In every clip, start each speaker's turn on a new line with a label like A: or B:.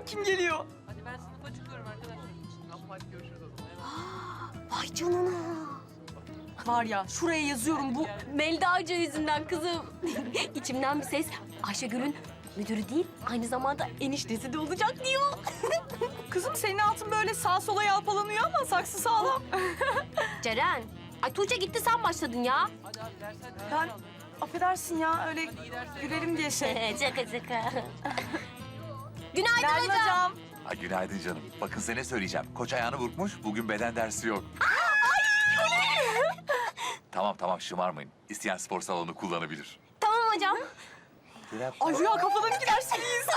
A: kim geliyor?
B: Hadi ben sınıfa çıkıyorum arkadaşlar. Tamam hadi görüşürüz o zaman.
C: Vay canına.
A: Var ya şuraya yazıyorum bu.
C: Melda Hoca yüzünden kızım. İçimden bir ses Ayşegül'ün müdürü değil, aynı zamanda eniştesi de olacak diyor.
A: Kızım senin altın böyle sağa sola yalpalanıyor ama saksı sağlam.
C: Ceren, ay Tuğçe gitti sen başladın ya.
B: Hadi abi dersler.
A: Ben affedersin ya öyle gülerim diye şey.
C: Şaka şaka. Günaydın
A: Günaydın
C: hocam.
A: hocam.
D: Ha, günaydın canım. Bakın size ne söyleyeceğim. Koç ayağını burkmuş, bugün beden dersi yok. Tamam şımarmayın. İsteyen spor salonu kullanabilir.
C: Tamam hocam.
A: Ay Rüya kafadan iki ders miyiz?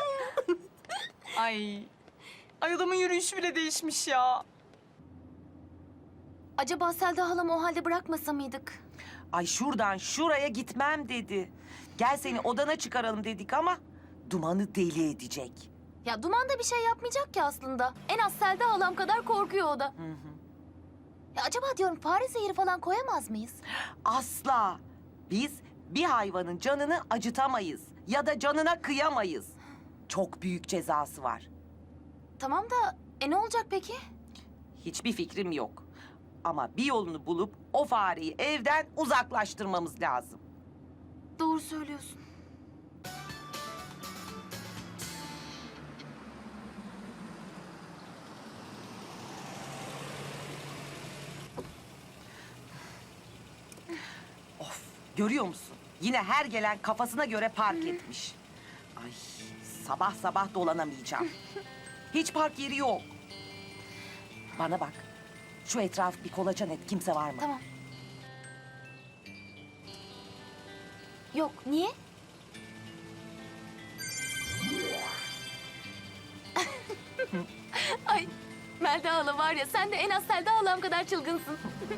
A: Ay. Ay adamın yürüyüşü bile değişmiş ya.
C: Acaba Selda halamı o halde bırakmasa mıydık?
E: Ay şuradan şuraya gitmem dedi. Gel seni odana çıkaralım dedik ama Duman'ı deli edecek.
C: Ya Duman da bir şey yapmayacak ki aslında. En az Selda halam kadar korkuyor o da. Ya acaba diyorum fare zehri falan koyamaz mıyız?
E: Asla. Biz bir hayvanın canını acıtamayız ya da canına kıyamayız. Çok büyük cezası var.
C: Tamam da ne olacak peki?
E: Hiçbir fikrim yok. Ama bir yolunu bulup o fareyi evden uzaklaştırmamız lazım.
C: Doğru söylüyorsun.
E: Görüyor musun? Yine her gelen kafasına göre park etmiş. Ay sabah sabah dolanamayacağım. Hiç park yeri yok. Bana bak. Şu etrafı bir kolaçan et. Kimse var mı?
C: Tamam. Yok, niye? Ay Melda hala var ya sen de en az Selda halam kadar çılgınsın.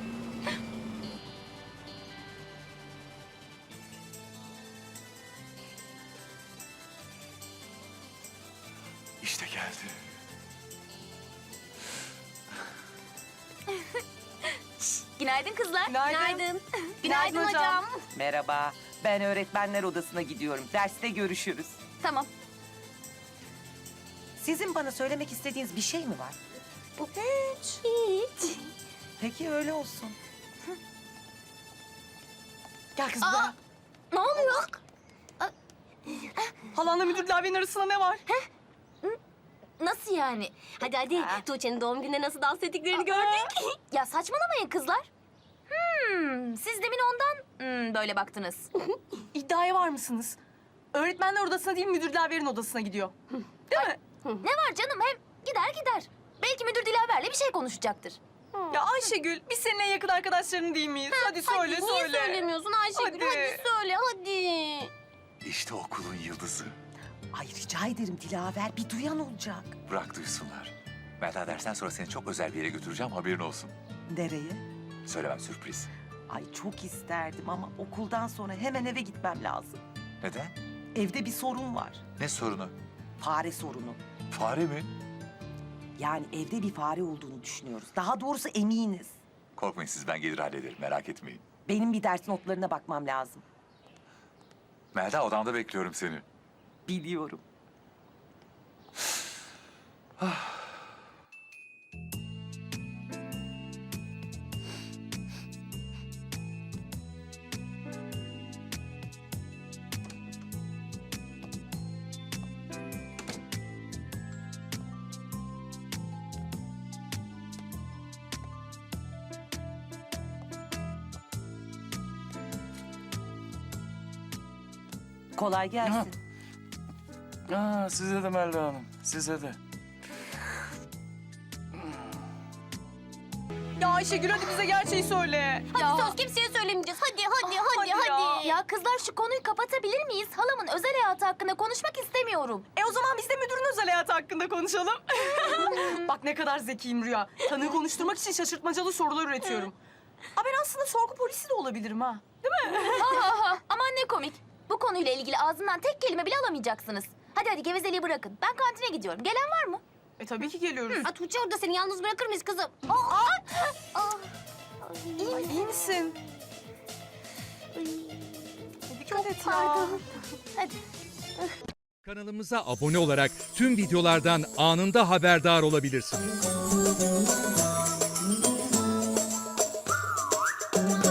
D: İşte geldi.
C: Günaydın kızlar.
A: Günaydın.
C: Günaydın
A: hocam.
C: hocam.
E: Merhaba. Ben öğretmenler odasına gidiyorum. Derste görüşürüz.
C: Tamam.
E: Sizin bana söylemek istediğiniz bir şey mi var?
C: Hiç.
E: Peki öyle olsun.
A: Gel kız
C: Aa!
A: buraya.
C: Ne oluyor?
A: Halanla müdürle abinin arasında ne var?
C: Nasıl yani? Hadi hadi. Tuğçe'nin doğum gününde nasıl dans ettiklerini gördük. Ya saçmalamayın kızlar. Siz demin ondan böyle baktınız.
A: İddiaya var mısınız? Öğretmenler odasına değil müdür Dilaver'in odasına gidiyor. Değil mi?
C: Ne var canım hem gider. Belki müdür Dilaver'le bir şey konuşacaktır.
A: Ya Ayşegül biz seninle yakın arkadaşların değil miyiz? Hadi söyle
C: Hadi,
A: söyle.
C: Niye söylemiyorsun Ayşegül? Hadi söyle hadi.
D: İşte okulun yıldızı.
E: Ay rica ederim Dilaver. Bir duyan olacak.
D: Bırak duysunlar. Melda dersten sonra seni çok özel bir yere götüreceğim, haberin olsun.
E: Nereye?
D: Söylemem, sürpriz.
E: Ay çok isterdim ama okuldan sonra hemen eve gitmem lazım.
D: Neden?
E: Evde bir sorun var.
D: Ne sorunu?
E: Fare sorunu.
D: Fare mi?
E: Yani evde bir fare olduğunu düşünüyoruz. Daha doğrusu eminiz.
D: Korkmayın siz, ben gelir hallederim, merak etmeyin.
E: Benim bir ders notlarına bakmam lazım.
D: Melda, odamda bekliyorum seni.
E: Biliyorum. Kolay gelsin.
F: Size de Melda Hanım, size de.
A: Ya Ayşegül hadi bize gerçeği söyle.
C: Hadi söz kimseye söylemeyeceğiz. Hadi
A: hadi ya.
C: Ya kızlar şu konuyu kapatabilir miyiz? Halamın özel hayatı hakkında konuşmak istemiyorum.
A: O zaman biz de müdürün özel hayatı hakkında konuşalım. Bak ne kadar zekiyim Rüya. Tanığı konuşturmak için şaşırtmacalı sorular üretiyorum. Ben aslında sorgu polisi de olabilirim ha.
C: Aman ne komik. Bu konuyla ilgili ağzından tek kelime bile alamayacaksınız. Hadi gevezeliği bırakın. Ben kantine gidiyorum. Gelen var mı?
A: Tabii ki geliyoruz.
C: Tuğçe orada seni yalnız bırakır mıyız kızım?
A: İyi misin? Dikkat et ya.
C: Pardon. Hadi.
G: Kanalımıza abone olarak tüm videolardan anında haberdar olabilirsiniz.